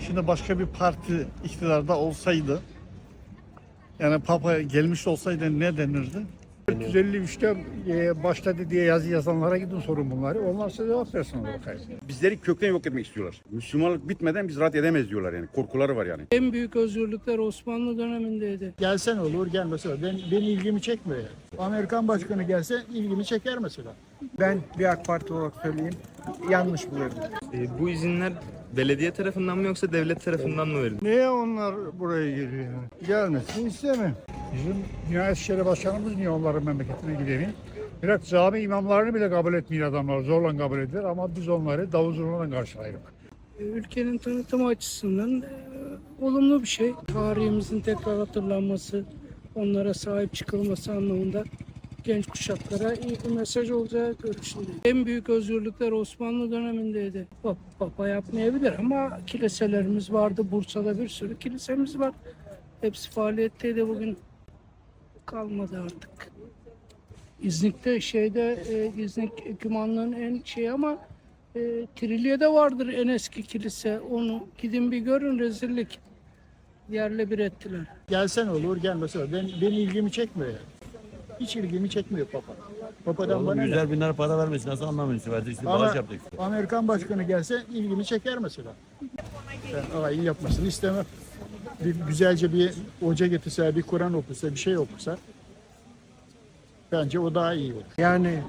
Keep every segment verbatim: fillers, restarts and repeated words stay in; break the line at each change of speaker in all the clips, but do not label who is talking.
Şimdi başka bir parti iktidarda olsaydı, yani Papa gelmiş olsaydı ne denirdi? dört yüz elli üçte e, başladı diye yazı yazanlara gidin sorun bunları. Onlar size cevap versin bakayım.
Bizleri kökten yok etmek istiyorlar. Müslümanlık bitmeden biz rahat edemeyiz diyorlar yani. Korkuları var yani.
En büyük özgürlükler Osmanlı dönemindeydi.
Gelsen olur, gelmese olur. Ben, benim ilgimi çekmiyor yani. Amerikan başkanı gelse ilgimi çeker mesela.
Ben bir AK Parti olarak söyleyeyim, yanlış buluyorum.
E, bu izinler belediye tarafından mı yoksa devlet tarafından mı verildi?
Niye onlar buraya geliyor yani? Gelmesin istemem. Bizim Diyanet İşleri Başkanımız niye onların memleketine gidemiyor? Bırak cami imamlarını bile kabul etmiyor adamlar. Zorla kabul edilir ama biz onları davul zurnadan karşılayırız.
Ülkenin tanıtımı açısından e, olumlu bir şey. Tarihimizin tekrar hatırlanması, onlara sahip çıkılması anlamında genç kuşaklara iyi bir mesaj olacağı görüşündeyim. En büyük özgürlükler Osmanlı dönemindeydi. Papa, Papa yapmayabilir ama kiliselerimiz vardı. Bursa'da bir sürü kilisemiz var. Hepsi faaliyetteydi, bugün kalmadı artık. İznik'te şeyde e, İznik Kümanlığın en şey ama e, Trilye'de vardır en eski kilise. Onu gidin bir görün, rezillik. Yerle bir ettiler.
Gelsen olur, gelmese olur. Ben, benim ilgimi çekmiyor yani. Hiç ilgimi çekmiyor Papa. Papa'dan bana
Yüzler
ne?
binler para vermiş. Nasıl anlamıyorsun? Verdik işte
Ama
bağış yaptık.
Amerikan başkanı gelse ilgimi çeker mesela. Ben alayı yapmasını istemem. Bir güzelce bir hoca getirse, bir Kur'an okusa, bir şey okusa bence o daha iyi olur.
Yani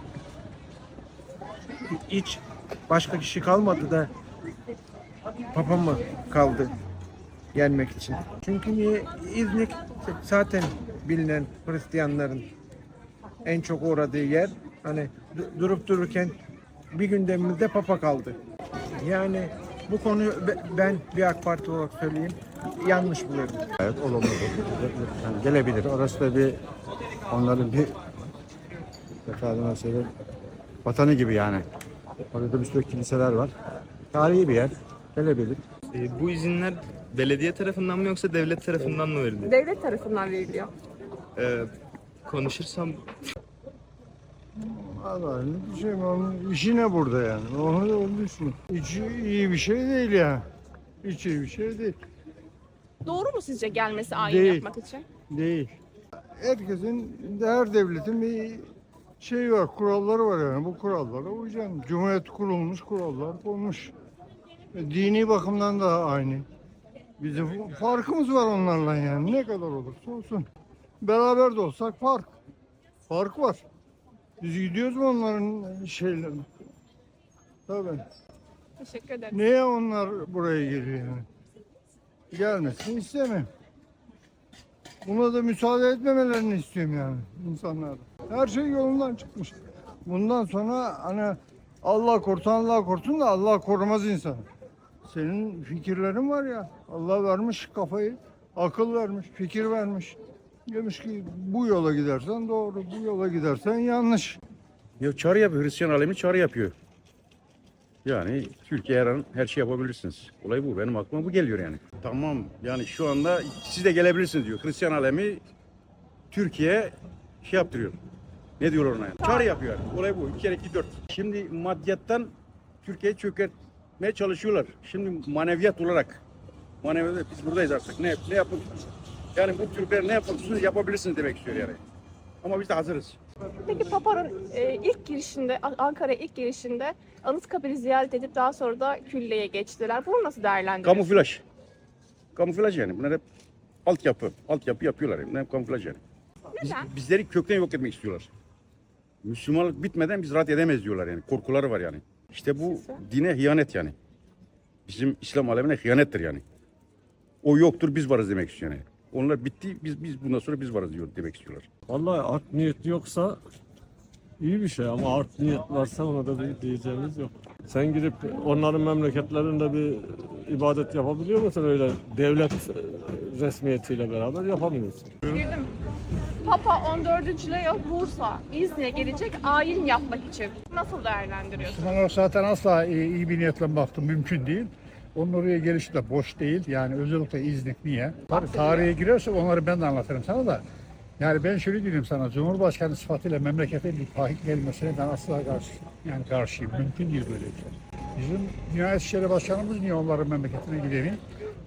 hiç başka kişi kalmadı da Papa mı kaldı gelmek için? Çünkü niye? İznik zaten bilinen Hristiyanların en çok uğradığı yer. Hani du- durup dururken bir gündemimizde Papa kaldı. Yani bu konuyu be- ben bir AK Parti olarak söyleyeyim, yanlış buluyorum.
Evet, olumlu. Yani gelebilir. Orası da bir onların bir efendime söyleyeyim vatanı gibi yani. Orada bir sürü kiliseler var. Tarihi bir yer. Gelebilir.
E, bu izinler belediye tarafından mı yoksa devlet tarafından mı verildi?
Devlet tarafından veriliyor.
E, konuşursam
Allah ne şey onun işi ne burada yani? Onu da onu düşün. Hiç iyi bir şey değil ya. Hiç iyi bir şey değil.
Doğru mu sizce gelmesi ayin
Değil.
yapmak için?
Değil. Herkesin, her devletin bir şey var, kuralları var yani. Bu kurallara uyacaksın. Cumhuriyet kurulmuş, kurallar konmuş. E, Dini bakımdan da aynı. Bizim farkımız var onlarla yani. Ne kadar olursa olsun. Beraber de olsak fark. Fark var. Biz gidiyoruz mu onların şeylerine? Tabii.
Teşekkür ederim.
Niye onlar buraya geliyor yani? Gelmesin istemem. Buna da müsaade etmemelerini istiyorum yani insanlar. Her şey yolundan çıkmış. Bundan sonra hani Allah korusun Allah korusun da Allah korumaz insanı. Senin fikirlerin var ya, Allah vermiş kafayı, akıl vermiş, fikir vermiş. Demiş ki bu yola gidersen doğru, bu yola gidersen yanlış.
Ya çağrı yapıyor. Hristiyan alemi çağrı yapıyor. Yani Türkiye her an her şey yapabilirsiniz. Olay bu. Benim aklıma bu geliyor yani. Tamam yani şu anda siz de gelebilirsiniz diyor. Hristiyan alemi Türkiye şey yaptırıyor. Ne diyorlar ona yani? Çağrı yapıyor yani. Olay bu. İki kere iki dört. Şimdi maddiyattan Türkiye'yi çökertmeye çalışıyorlar. Şimdi maneviyat olarak. Maneviyat biz buradayız artık. Ne, ne yapın? Yani bu Türkler ne yapabilirsiniz yapabilirsiniz demek istiyor yani. Ama biz de hazırız.
Peki Papa'nın e, ilk girişinde, Ankara'ya ilk girişinde Anıtkabir'i ziyaret edip daha sonra da Külliye'ye geçtiler. Bunu nasıl değerlendiriyorsunuz?
Kamuflaj. Kamuflaj yani. Bunlar hep altyapı. Altyapı yapıyorlar. Bunlar hep kamuflaj yani. Biz,
Neden?
bizleri kökten yok etmek istiyorlar. Müslümanlık bitmeden biz rahat edemeyiz diyorlar yani. Korkuları var yani. İşte bu dine hıyanet yani. Bizim İslam alemine hıyanettir yani. O yoktur biz varız demek istiyor yani. Onlar bitti biz biz bundan sonra biz varız diyor demek istiyorlar.
Vallahi art niyet yoksa iyi bir şey ama art niyet varsa ona da bir diyeceğimiz yok. Sen gidip onların memleketlerinde bir ibadet yapabiliyor musun öyle devlet resmiyetiyle beraber yapamıyorsun.
Girdim. Papa on dördüncü Leo Bursa, İznik'e gelecek ayin yapmak için. Nasıl değerlendiriyorsunuz?
Müslüman olarak zaten asla iyi, iyi bir niyetle baktım mümkün değil. Onun oraya gelişi de boş değil. Yani özellikle İznik niye? Tabii tarihe girersek onları ben de anlatırım sana da. Yani ben şöyle diyeyim sana, Cumhurbaşkanı sıfatıyla memlekete bir faik gelmesine ben asla karşı, yani karşıyım. Mümkün değil böyle bir şey. Bizim Diyanet İşleri Başkanımız niye onların memleketine gidemiyor?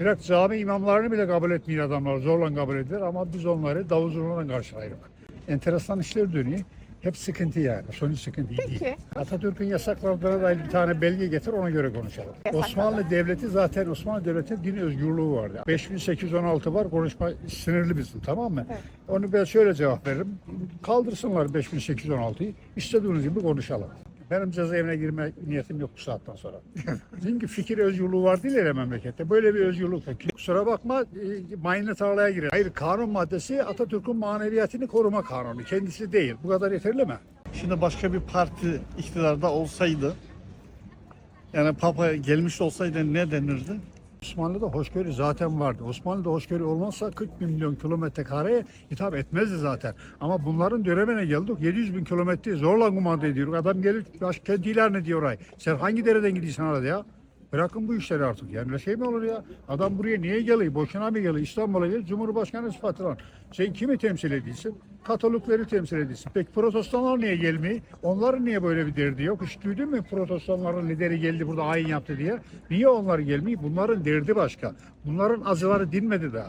Bırak cami imamlarını bile kabul etmiyor adamlar. Zorla kabul edilir ama biz onları davul zurnayla karşılayırız. Enteresan işler dönüyor. Hep sıkıntı yani. Sonuç sıkıntı değil.
Peki.
Atatürk'ün yasaklarına dair bir tane belge getir, ona göre konuşalım.
Yasaklar.
Osmanlı Devleti zaten Osmanlı Devleti'nin din özgürlüğü vardı. beş bin sekiz yüz on altı var, konuşma sınırlı bizim, tamam mı?
Evet.
Onu ben şöyle cevap veririm. Kaldırsınlar beş bin sekiz yüz on altıyı, istediğiniz gibi konuşalım. Benim cezaevine girme niyetim yok bu saatten sonra. Çünkü fikir özgürlüğü var değil ya memlekette. Böyle bir özgürlük yok. Kusura bakma, e, mayınlı tarlaya girer. Hayır, kanun maddesi Atatürk'ün maneviyatını koruma kanunu. Kendisi değil. Bu kadar yeterli mi?
Şimdi başka bir parti iktidarda olsaydı, yani Papa gelmiş olsaydı ne denirdi?
Osmanlı'da hoşgörü zaten vardı. Osmanlı'da hoşgörü olmazsa kırk milyon kilometre kareye hitap etmezdi zaten. Ama bunların dönemine geldik. yedi yüz bin kilometre zorla kumanda ediyoruz. Adam gelir başkent ilan ediyor ay. Sen hangi dereden gidiyorsun arada ya? Bırakın bu işleri artık. Yani öyle şey mi olur ya? Adam buraya niye geliyor? Boşuna mı geliyor? İstanbul'a geliyor. Cumhurbaşkanı sıfatıyla. Sen kimi temsil ediyorsun? Katolikleri temsil ediyorsun. Peki protestanlar niye gelmiyor? Onların niye böyle bir derdi yok? Hiç duydun mu protestanların lideri geldi burada ayin yaptı diye? Niye onlar gelmiyor? Bunların derdi başka. Bunların acıları dinmedi daha.